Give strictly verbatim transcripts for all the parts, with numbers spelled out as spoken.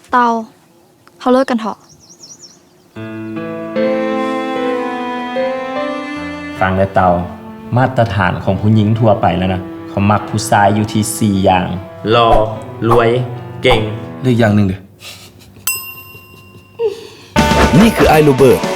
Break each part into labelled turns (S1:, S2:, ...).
S1: เตาเขาเลิกกันเถอะ
S2: ฟังแล้วเตามาตรฐานของผู้หญิงทั่วไปแล้วนะเขามักผู้ชายอยู่ที่สี่อย่างหล่อรวยเก่ง
S3: เลือกอย่างหนึ่งเด้อนี่คือไอโรเบิร์ต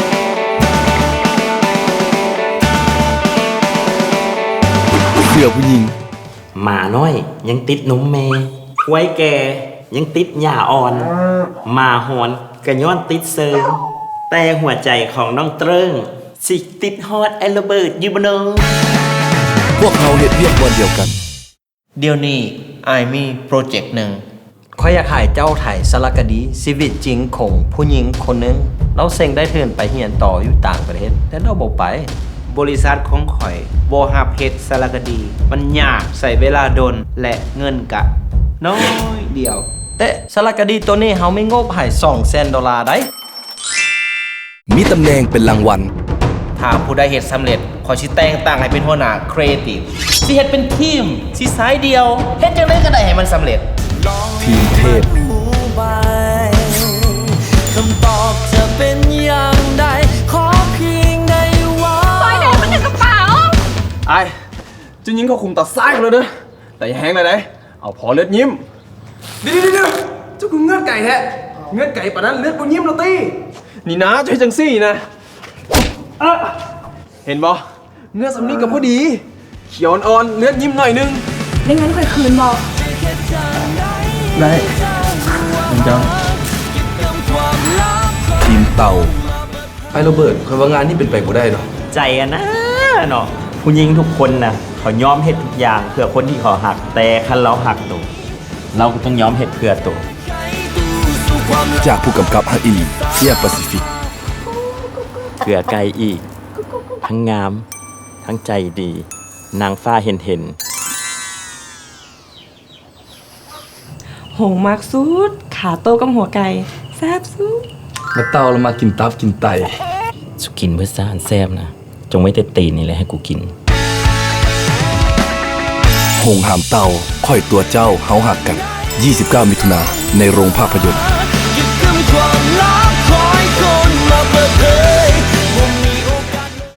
S3: เสื้อผู้หญิง
S2: หมาน้อยยังติดนมเมควายแก่ยังติดหญ้าอ่อนหมาหอนกระย้อนติดเซิงแต่หัวใจของน้องเติ้งสิติดฮอดไอโรเบิร์ตอยู่บ่เนาะ
S3: พวกเขาเฮ็ดเวียกวันเดียวกัน
S4: เดี๋ยวนี้อายมีโปรเจกต์หนึ่ง
S5: ข้อยอยากให้เจ้าถ่ายสารคดีชีวิตจริงของผู้หญิงคนหนึ่งเราเซ็งได้เทินไปเรียนต่ออยู่ต่างประเทศแต่เราบ่ไป
S4: บริษัทของข่อยบ่ฮับเฮ็ดสารคดีมันยากใส่เวลาโดนและเงินกะน้อยเดียว
S5: แต่สารคดีตัวนี้เฮาไม่งบให้สองแสนดอลลาร์ได้
S3: มีตำแหน่งเป็นรางวัล
S4: ถ้าผู้ใดเฮ็ดสำเร็จขอสิแต่งตั้งให้เป็นหัวหน้าครีเอทีฟสิเฮ็ดเป็นทีมสิสายเดียวเฮ็ดจังได๋ก็ได้ให้มันสำเร็จ
S3: ทีมเทพ
S6: คำตอบจะเป็นอย่างใดขอเพียงได้ว่า
S1: ซอยแดงมันในกระเป๋า
S7: ไอ้จะยิงเขาคุมตัดซ้ายกันเลยเด้อแต่อย่าแห้งเลยนะเอาพอเลือดยิ้มเดี๋ยวเดี๋ยวเดี๋ยวเจ้ากูเงือกไก่แท้เงือกไก่ป่ะนั้นเลือดกูยิ้มเราตีนี่นะจะให้จังซี่นะเห็นบ่เงือกสำนีกับพอดีเขียวอ่อนเลือดยิ้มหน่อยนึง
S1: ได้งั้นค่อยคืนบอก
S7: ได้ผมจะ
S3: ทีมเต่าไอโรเบิร์ตคอยว่างานนี่เป็นไปบ่ได้หรอ
S2: ใจอะนะเนาะผู้หญิงทุกคนนะเขายอมเฮ็ดทุกอย่างเพื่อคนที่เขาหักแต่คันเราหักตัวเราก็ต้องยอมเฮ็ดเพื่อตัว
S3: จากผู้กำกับฮักอีลีเซียแปซิฟิก
S2: เพื่อไกลอีกทั้งงามทั้งใจดีนางฟ้าเห็นเห็น
S8: โหมากสุดขาโตกับหัวไก่แซ่บสุด
S3: มาเต่าเรามากินตับกินไต
S2: สุกินเพื่อซ่านแซ่บนะจงไว้แต่ตีนนี่แหละให้กูกิน
S3: หงหามเต่าค่อยตัวเจ้าเฮาหักกันยี่สิบเก้ามิถุนาในโรงภาพยนตร์